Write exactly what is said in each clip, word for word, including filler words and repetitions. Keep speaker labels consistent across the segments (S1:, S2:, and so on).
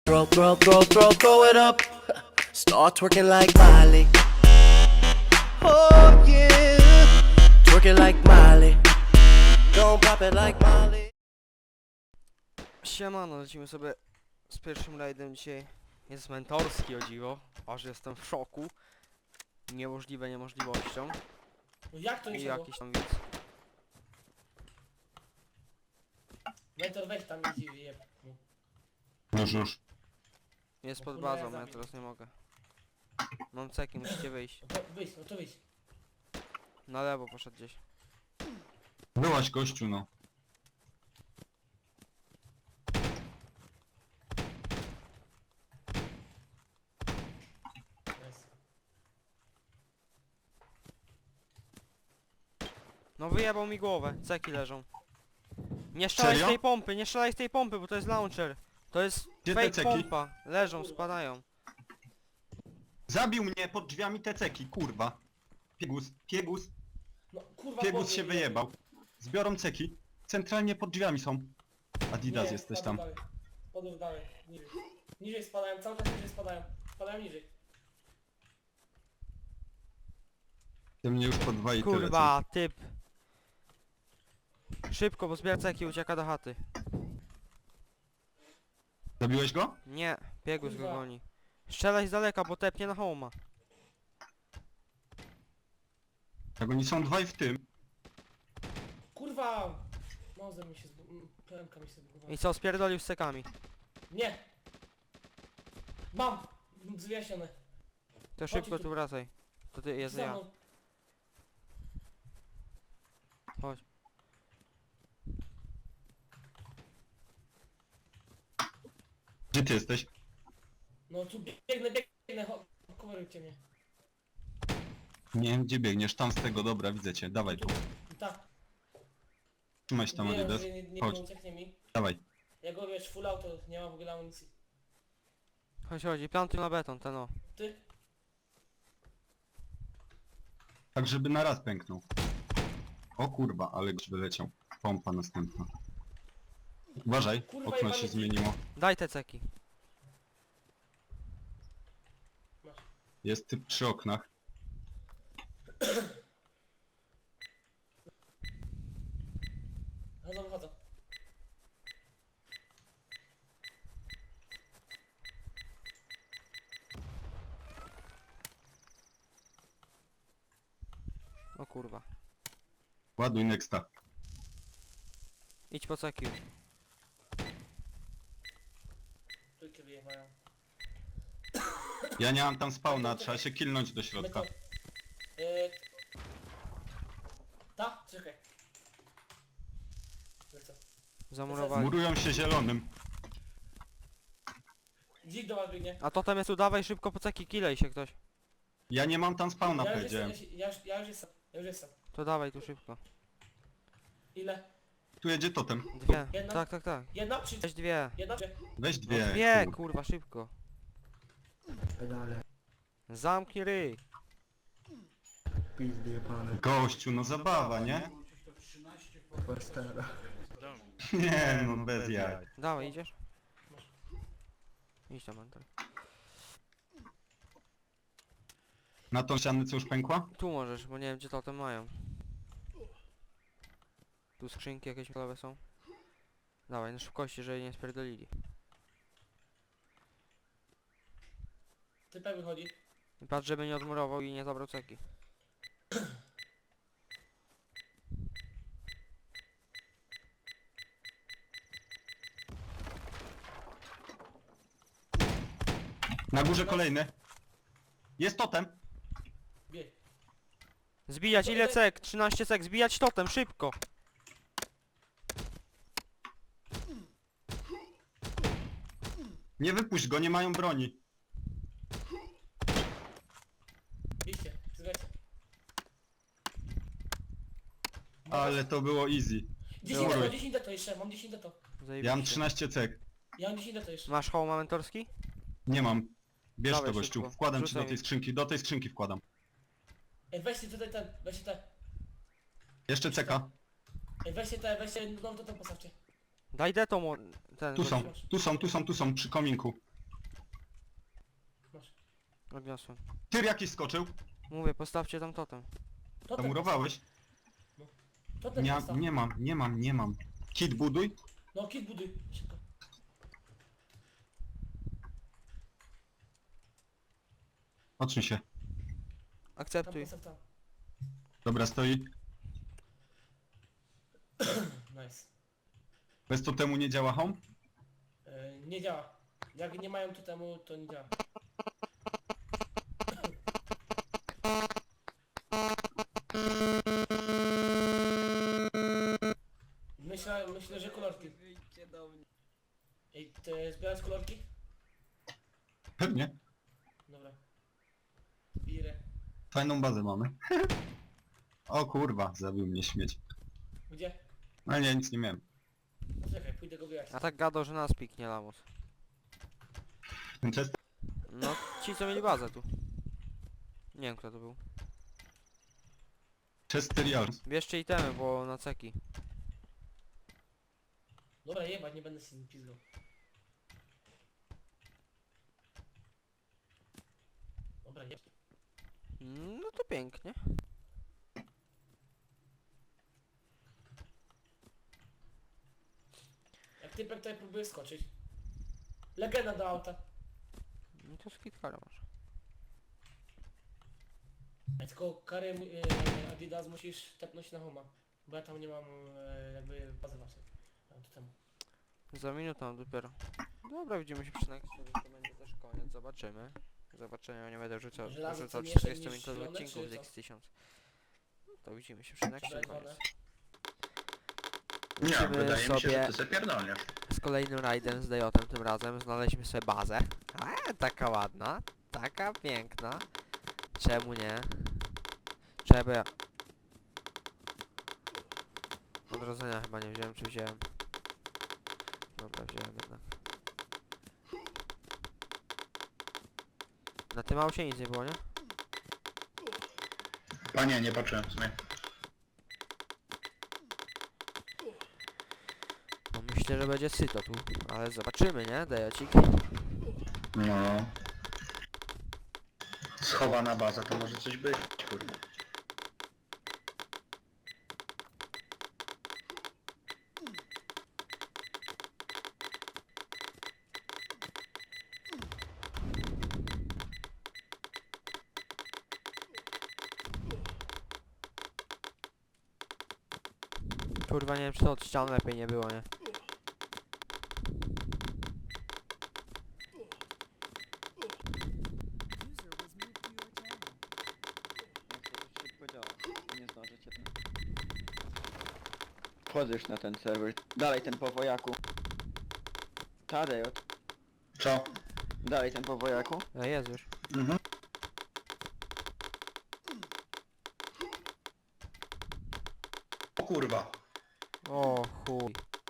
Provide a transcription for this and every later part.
S1: Throw, throw, throw, throw, throw it up. Start twerking like Miley. Oh yeah. Twerking like Miley. Don't pop it like Miley.
S2: Siemano, lecimy sobie z pierwszym rajdem dzisiaj. Jest mentorski, o dziwo, aż jestem w szoku. Niemożliwe niemożliwością.
S3: No jak to nie
S2: I
S3: siadło?
S2: jakiś tam widz.
S3: Mentor weź tam i jeb.
S4: Już, już.
S2: Jest
S3: No
S2: pod
S3: kurwa, ja
S2: bazą, ja
S3: zabiję.
S2: teraz nie mogę. Mam ceki, musicie wyjść.
S3: No to wyjdź, no to wyjdź.
S2: Na lewo poszedł gdzieś.
S4: Byłaś gościu, no.
S3: Jest.
S2: No wyjebał mi głowę, ceki leżą. Nie strzelaj z
S4: Serio?
S2: tej pompy, nie strzelaj z tej pompy, bo to jest launcher. To jest
S4: Gdzie te
S2: fake
S4: ceki?
S2: pompa. Leżą, spadają.
S4: Zabił mnie pod drzwiami te ceki, kurwa. Piegus, piegus,
S3: No kurwa
S4: piegus
S3: podnieś
S4: się
S3: mnie.
S4: wyjebał. Zbiorą ceki. Centralnie pod drzwiami są. Adidas
S3: Nie,
S4: jesteś
S3: spadł
S4: tam.
S3: dalej. Spadł dalej, niżej. Niżej spadają, cały czas niżej spadają. Spadają niżej.
S4: Ty mnie już po dwa i tyle.
S2: Kurwa, typ. Szybko, bo zbiera ceki, ucieka do chaty.
S4: Zabiłeś go?
S2: Nie, biegus go
S3: Kurwa.
S2: goni. Strzelaj z daleka, bo tepnie na homa.
S4: Jak oni są dwaj w tym.
S3: Kurwa! Noze mi się zbu... Plemka mi się zbugowała.
S2: I co, spierdolił z cekami.
S3: Nie! Mam! Zwyjaśnione.
S2: To szybko
S3: tu.
S2: tu wracaj. To ty, jest
S3: Za
S2: ja.
S3: mną.
S2: Chodź.
S4: Gdzie ty jesteś?
S3: No tu biegnę, biegnę, cho- coverujcie mnie.
S4: Nie wiem gdzie biegniesz, tam z tego, dobra, widzę cię. Dawaj tu.
S3: Tak.
S4: Trzymaj się tam,
S3: Wiem,
S4: Adidas.
S3: że nie, nie,
S4: Chodź.
S3: nie ucieknie mi.
S4: Dawaj.
S3: Jak go wiesz, full auto, nie ma w ogóle amunicji.
S2: Chodź, chodź, i plantuj na beton, ten o.
S3: Ty?
S4: Tak żeby na raz pęknął. O kurwa, ale goś wyleciał. Pompa następna. Uważaj,
S3: Kurwa,
S4: okno
S3: jebany
S4: się
S3: ty.
S4: zmieniło.
S2: Daj te ceki.
S3: Masz.
S4: Jest typ przy oknach.
S3: Chodzą, chodzą.
S2: O kurwa.
S4: Ładuj nexta.
S2: Idź po ceki już.
S3: Trójkę wyjechają.
S4: Ja nie mam tam spawna, trzeba się kilnąć do środka.
S3: My to... Yy... Ta? Czekaj. Lecę.
S2: Zamurowali.
S4: Murują się zielonym.
S3: Dzik do was biegnie.
S2: A totem jest tu, dawaj szybko po ceki, kilej się ktoś.
S4: Ja nie mam tam spawna,
S3: Ja już jestem,
S4: powiedziałem.
S3: ja już, ja już jestem, ja już jestem.
S2: To dawaj tu szybko.
S3: Ile?
S4: Tu jedzie totem.
S2: Dwie.
S3: Jedna?
S2: Tak, tak, tak.
S3: Jedna czy...
S2: Weź dwie.
S3: Jedna czy...
S4: Weź
S2: No
S4: dwie.
S2: dwie,
S4: kur-
S2: kurwa, szybko. Zamknij ryj.
S5: Pizdy jebane,
S4: Gościu, no zabawa, nie?
S5: Westera.
S4: Nie, no bez jaj.
S2: Dawaj, idziesz? Idź tam, Anton.
S4: Na tą ścianę co już pękła?
S2: Tu możesz, bo nie wiem gdzie totem mają. Tu skrzynki jakieś metalowe są. Dawaj, na szybkości, żeby nie spierdolili.
S3: Typek wychodzi.
S2: I patrz, żeby nie odmurował i nie zabrał ceki.
S4: Na górze kolejny. Jest totem.
S3: Bieg.
S2: Zbijać, ile cek? trzynaście cek, zbijać totem, szybko!
S4: Nie wypuść go, nie mają broni.
S3: Idźcie, zgadzcie.
S4: Ale to było easy.
S3: dziesięć
S4: Dobra.
S3: deto, dziesięć deto jeszcze, mam dziesięć deto.
S2: Zajebiście.
S4: Ja mam trzynaście cek.
S3: Ja mam dziesięć deto jeszcze.
S2: Masz hołma mentorski?
S4: Nie mam. Bierz
S2: Dawaj
S4: to gościu.
S2: szybko.
S4: Wkładam ci
S2: Rzucaj
S4: do tej
S2: mi.
S4: skrzynki. Do tej skrzynki wkładam.
S3: Ej, weźcie tutaj ten, weźcie te.
S4: Jeszcze ceka.
S3: Ej, weźcie te, weźcie, no to ten postawcie.
S2: Daj deto mo... ten...
S4: Tu
S2: bo-
S4: są, tu są, tu są, tu są, przy kominku.
S2: Odniosłem.
S4: Tyr jakiś skoczył?
S2: Mówię, postawcie tam totem.
S3: To ten
S4: Zamurowałeś?
S3: postaw. To ten
S4: Nie,
S3: postaw.
S4: nie mam, nie mam, nie mam. Kit buduj.
S3: No kit buduj. Szybko.
S4: Odsuń się.
S3: Tam
S2: Akceptuj.
S3: postaw tam.
S4: Dobra, stoi.
S3: Nice.
S4: Bez totemu nie działa home?
S3: E, nie działa. Jak nie mają tu temu, to nie działa. Myślę, myślę, że kolorki. Ej, ty zbierać kolorki?
S4: Pewnie.
S3: Dobra. Bire.
S4: Fajną bazę mamy. O kurwa, zabił mnie śmieć.
S3: Gdzie?
S4: Ale nie, nic nie miałem.
S3: Czekaj, pójdę go wyjaśnić.
S2: A tak gadał, że nas piknie lamus.
S4: Ten chest...
S2: No, ci co mieli bazę tu. Nie wiem kto to był.
S4: Chester Yards.
S2: Bierzcie itemy, bo na ceki.
S3: Dobra, jebać, nie będę się pizgał. Dobra, nie.
S2: No to pięknie.
S3: Jak typek tutaj próbuje skoczyć. Legenda do auta.
S2: No to skitkara masz.
S3: A tylko karę e, Adidas musisz tepnąć na homa. Bo ja tam nie mam e, jakby bazy waszej. Mam tu temu.
S2: Za minutę dopiero. Dobra, widzimy się przy nexcie, więc to będzie też koniec. Zobaczymy. Zobaczenia, nie będę rzucał,
S3: Żelazo
S2: rzucał
S3: cenniejsze
S2: czterdzieści
S3: niż
S2: minut
S3: zielone,
S2: odcinków
S3: czy
S2: z
S3: co?
S2: X tysiąc. No to widzimy się przy nexcie,
S3: Czekaj,
S2: koniec.
S3: wolę.
S6: Nie,
S2: Lecimy
S6: wydaje mi się, że
S2: sobie
S6: ty se pierdolniesz.
S2: z kolejnym rajdem z Dejotem tym razem. Znaleźliśmy sobie bazę. A, taka ładna. Taka piękna. Czemu nie? Trzeba... Odrodzenia chyba nie wziąłem, czy wziąłem? Dobra, wziąłem jednak. Na tym aucie nic nie było, nie?
S6: Panie, nie patrzyłem w sumie.
S2: No myślę, że będzie syto tu, ale zobaczymy, nie? Dejocik.
S6: No. Schowana baza, to może coś być, kurde.
S2: Kurwa, nie wiem, czy to od ścian lepiej nie było, nie?
S7: Nie zdążycie tam. Wchodzisz na ten serwer. Dalej ten po wojaku. Tadejot.
S6: Co?
S7: Dalej ten po wojaku.
S2: A jest już.
S6: Mhm. O kurwa.
S2: O chuj.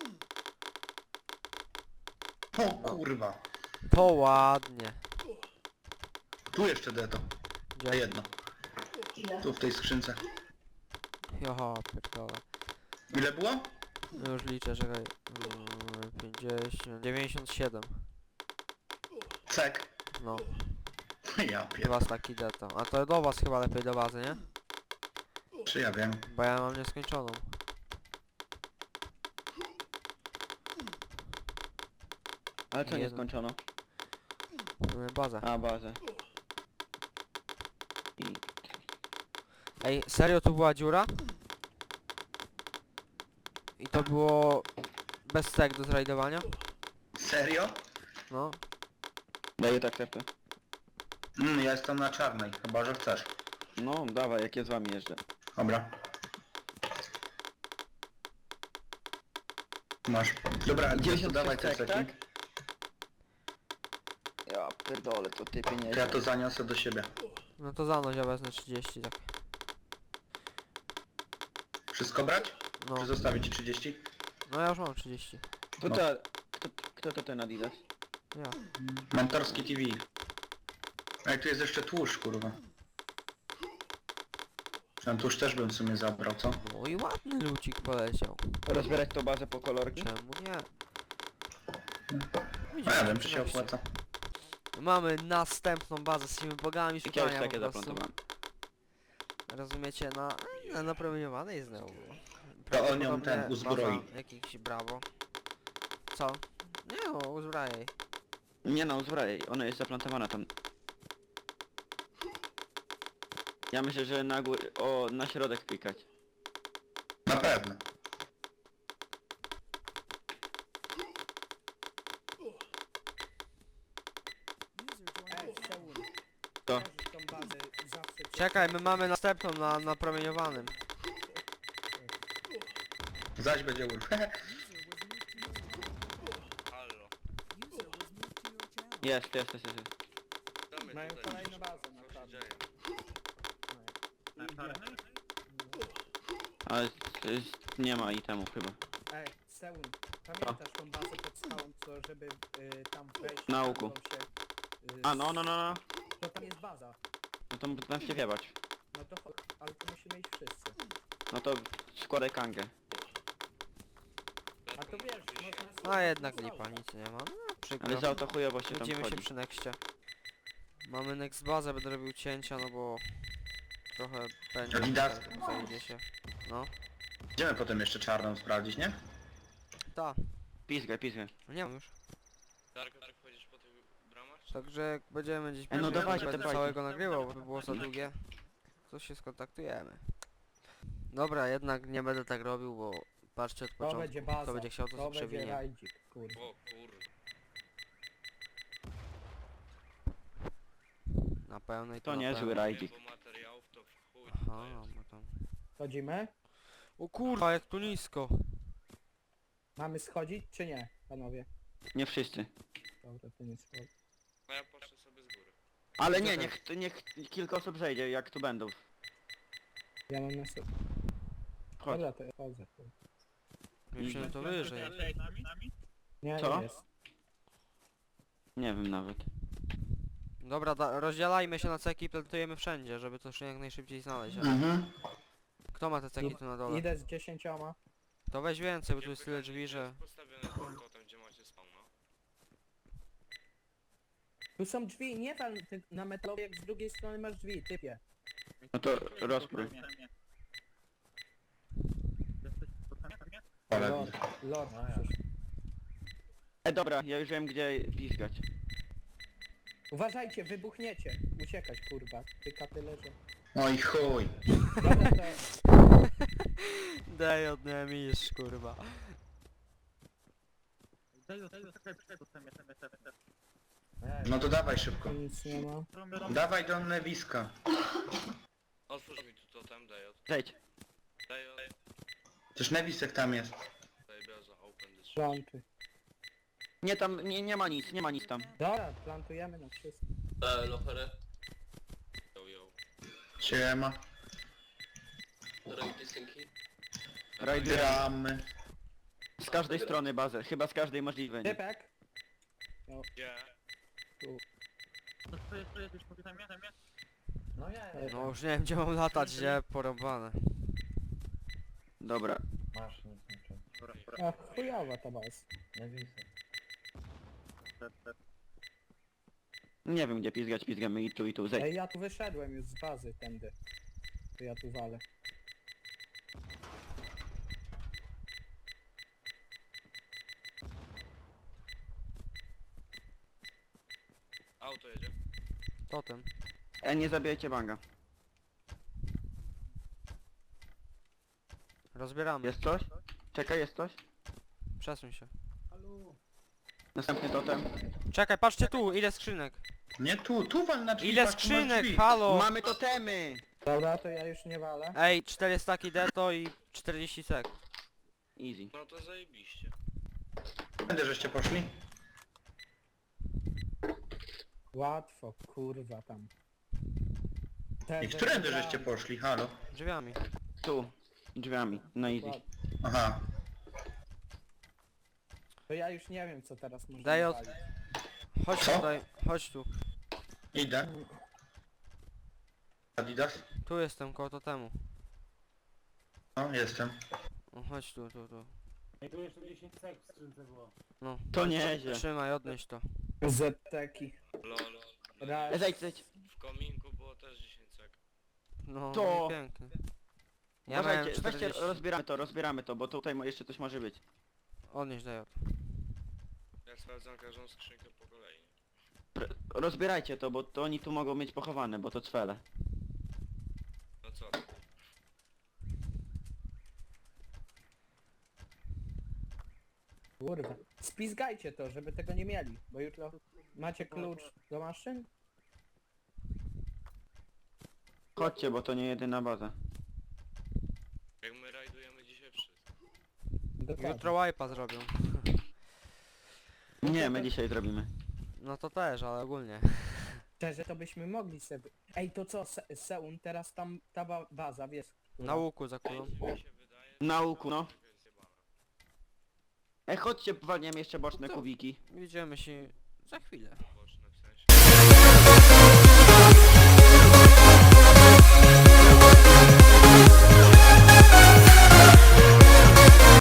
S6: O kurwa.
S2: To ładnie.
S6: Tu jeszcze deto. A
S2: Gdzie?
S6: jedno. Tu w tej skrzynce.
S2: Joho, pierdolę.
S6: Ile było?
S2: No już liczę, czekaj. Mm, pięćdziesiąt, dziewięćdziesiąt siedem.
S6: Cek.
S2: No,
S6: Ja pier...
S2: dwa staki deto. A to do was chyba lepiej do bazy, nie?
S6: Czy ja wiem?
S2: Bo ja mam nieskończoną.
S7: Ale co nie
S2: Jeden.
S7: skończono?
S2: Y, Bazę.
S7: A, bazę. I...
S2: Ej, serio tu była dziura? I to było bez tek do zrajdowania?
S6: Serio?
S2: No.
S7: Daję tak tepy.
S6: Mm, ja jestem na czarnej, chyba że chcesz.
S7: No, dawaj, jak ja z wami jeżdżę.
S6: Dobra. Masz. Dobra, gdzie to
S7: dziewięćdziesiąt
S6: dawaj
S7: sześć
S6: te
S7: cek,
S6: ceki.
S7: tak? Ja pierdolę, to ty
S6: To ja
S7: pieniędzy.
S6: to zaniosę do siebie.
S2: No to za noc ja wezmę trzydzieści, tak.
S6: Wszystko brać?
S2: No.
S6: Czy zostawić ci trzydzieści?
S2: No ja już mam trzydzieści.
S7: To
S6: No.
S7: ta... Kto, kto to ten Adidas?
S2: Ja.
S6: Mentorski T V. Ej, tu jest jeszcze tłuszcz, kurwa. Ten tłuszcz też bym w sumie zabrał, co?
S2: No i ładny lucik poleciał.
S7: Rozbierać to bazę po kolorki?
S2: Czemu nie?
S6: No ja wiem, czy się opłaca.
S2: Mamy następną bazę, jesteśmy bogami
S7: Jakieś
S2: szukania
S7: takie
S2: po prostu.
S7: zaplantowałem.
S2: Rozumiecie, na, na napromieniowanej znowu.
S6: To on ją
S2: Prawdopodobnie
S6: ten uzbroi.
S2: baza Jakiś brawo. Co? Nie no, uzbrajaj.
S7: Nie no, uzbrajaj, ona jest zaplantowana tam. Ja myślę, że na górę, o, na środek pikać.
S6: Na pewno.
S5: Ej, Seul,
S7: To.
S5: kojarzysz tą bazę zawsze...
S2: Czekaj, my mamy następną na napromieniowanym.
S6: Zaś będzie urw.
S7: Jest, jest, jest, jest.
S5: Mają kolejną bazę na czarno.
S7: Ale y, nie ma itemu chyba.
S5: Ej, Seul, pamiętasz tą bazę pod skałą, co żeby y, tam wejść...
S7: Na łuku.
S5: mogą się, y,
S7: A no, no, no, no.
S5: To tam jest baza.
S7: No to tam się wiebać.
S5: No to chodź, ale to musimy iść wszyscy.
S7: No to składaj kangę.
S5: A to wiesz, można...
S2: A
S5: sobie
S2: jednak
S5: na
S2: lipa,
S5: skałę.
S2: nic nie ma. No, przykro.
S7: Ale za to chujowo się tam
S2: Widzimy się
S7: wchodzi.
S2: przy nexcie. Mamy next bazę, będę robił cięcia, no bo trochę będzie.
S6: Adidas.
S2: Zajdzie się. No.
S6: Idziemy potem jeszcze czarną sprawdzić, nie?
S2: Ta.
S7: Pizgaj, pizgaj.
S2: No nie mam już.
S8: Dark, Dark, chodzisz po tych bramach?
S2: Także jak będziemy gdzieś
S7: E, no
S2: bliżej,
S7: dawajcie,
S2: będę
S7: dawajcie.
S2: całego nagrywał, bo by było za długie. To się skontaktujemy. Dobra, jednak nie będę tak robił, bo patrzcie od
S5: To
S2: początku.
S5: będzie baza.
S2: Kto będzie chciał, to
S5: To
S2: sobie
S5: będzie
S2: przewinie.
S5: rajdzik, kurwa.
S8: O kurde.
S2: Na pełnej
S7: To
S2: na
S7: niezły
S2: pełnej.
S7: rajdzik.
S8: Bo materiałów to w chuj
S2: Aha,
S8: tutaj jest.
S2: bo tam...
S5: Chodzimy?
S2: O kurwa, jak tu nisko.
S5: Mamy schodzić czy nie, panowie?
S7: Nie wszyscy.
S5: Dobra, to nie schodzi.
S8: No ja patrzę sobie z góry.
S7: Ale nie, niech, niech kilka osób zejdzie, jak tu będą.
S5: Ja mam na sobie.
S7: Chodź.
S5: Dobra, to ja chodzę. kurwa.
S2: Musimy to wyżej.
S5: Nie,
S7: Co?
S5: nie jest.
S7: Nie wiem nawet.
S2: Dobra, da, rozdzielajmy się na ceki i plantujemy wszędzie, żeby to się jak najszybciej znaleźć. ale-
S6: Mhm.
S2: Kto ma te ceki tu na dole?
S5: Idę z dziesięcioma.
S2: To weź więcej, bo tu jest
S8: Gdzie
S2: tyle
S8: pytanie,
S2: drzwi,
S8: gdzie
S2: że...
S8: jest postawiony ten totem, gdzie macie spawna?
S5: Tu są drzwi, nie wal ty na metalowie, jak z drugiej strony masz drzwi, typie.
S7: No to rozprój.
S6: Ale
S5: Lord, Lord. przecież.
S7: E dobra, ja już wiem gdzie pizgać.
S5: Uważajcie, wybuchniecie. Uciekać, kurwa. Tyka tyle, że...
S6: oj chuj.
S5: Dobra, to...
S2: Daj od misz, kurwa.
S6: No to dawaj szybko.
S5: Tu nic nie ma.
S6: Dawaj do Newiska.
S8: Otwórz mi tu totem, daj od...
S7: Zejdź.
S8: Daj od...
S6: Też Newisek tam jest.
S8: Daj bioza, open this.
S5: Planty.
S7: Nie tam, nie, nie ma nic, nie ma nic tam.
S5: Dobra, plantujemy na wszystko.
S8: Eee, locherę. Yo, yo.
S6: Siema.
S8: Robi synki?
S7: Rajdy
S6: Gramy.
S7: z każdej strony bazę, chyba z każdej możliwej. Nie?
S5: Typek.
S8: Gdzie?
S5: No ja.
S2: No już nie wiem gdzie mam latać, gdzie porąbane.
S7: Dobra.
S5: A chujowa ta baz.
S7: Nie wiem gdzie pizgać, pizgamy i tu i tu, zejdź.
S5: Ej, ja tu wyszedłem już z bazy tędy. To ja tu walę.
S8: Auto jedzie.
S2: Totem.
S7: E, nie zabijajcie banga.
S2: Rozbieramy.
S7: Jest coś? Czekaj, jest coś?
S2: Przesuń się.
S7: Następny totem.
S2: Czekaj, patrzcie tu, ile skrzynek.
S6: Nie tu, tu wal na drzwi.
S2: Ile
S6: patrz, tu masz
S2: skrzynek,
S6: drzwi.
S2: halo!
S7: Mamy totemy!
S5: Dobra, to ja już nie walę.
S2: Ej, cztery staki deto i czterdzieści sek.
S7: Easy.
S8: No to zajebiście.
S6: Będę żeście poszli?
S5: Łatwo, kurwa tam. Te
S6: I którędy
S5: wybrałem.
S6: żeście poszli, halo?
S2: Drzwiami.
S7: Tu. Drzwiami, na easy.
S6: Aha.
S5: To ja już nie wiem co teraz można
S2: Daj od-
S5: walić.
S2: Chodź
S6: Co?
S2: tutaj, chodź tu.
S6: Idę. Adidas?
S2: Tu jestem, koło totemu.
S6: No, jestem.
S2: O, chodź tu, tu, tu.
S3: Tu jeszcze dziesięć sek w skrzynce było.
S2: No.
S7: To nieźle.
S2: Trzymaj, odnieś to.
S5: Zeteki.
S8: Lol. No,
S5: Raz.
S7: E, zejdź, zejdź.
S8: w kominku było też dziesięć sekund.
S2: No,
S7: To-
S2: no i pięknie. Ja miałem
S7: Uważajcie, weźcie,
S2: czterdzieści.
S7: rozbieramy to, rozbieramy to, bo tutaj mo- jeszcze coś może być.
S2: Odnieś do J.
S8: Ja sprawdzam każdą skrzynkę po kolei.
S7: Pr rozbierajcie to, bo to oni tu mogą mieć pochowane, bo to cwele.
S8: No co? ty?
S5: Kurwa. Spizgajcie to, żeby tego nie mieli, bo jutro macie klucz do maszyn?
S7: Chodźcie, bo to nie jedyna baza.
S8: Jak my rajdujemy dzisiaj wszystko.
S5: Dokładnie.
S2: Jutro wipe'a zrobią.
S7: Nie, my dzisiaj zrobimy.
S2: No to też, ale ogólnie.
S5: Szczerze to byśmy mogli sobie... Ej, to co, Se Seun, teraz tam ta ba baza, wiesz?
S2: Na łuku zakulą.
S8: Mi się wydaje,
S7: Na łuku, no.
S8: że jest zjebana.
S7: Ej, chodźcie, walniemy jeszcze boczne kubiki.
S2: Widzimy się za chwilę.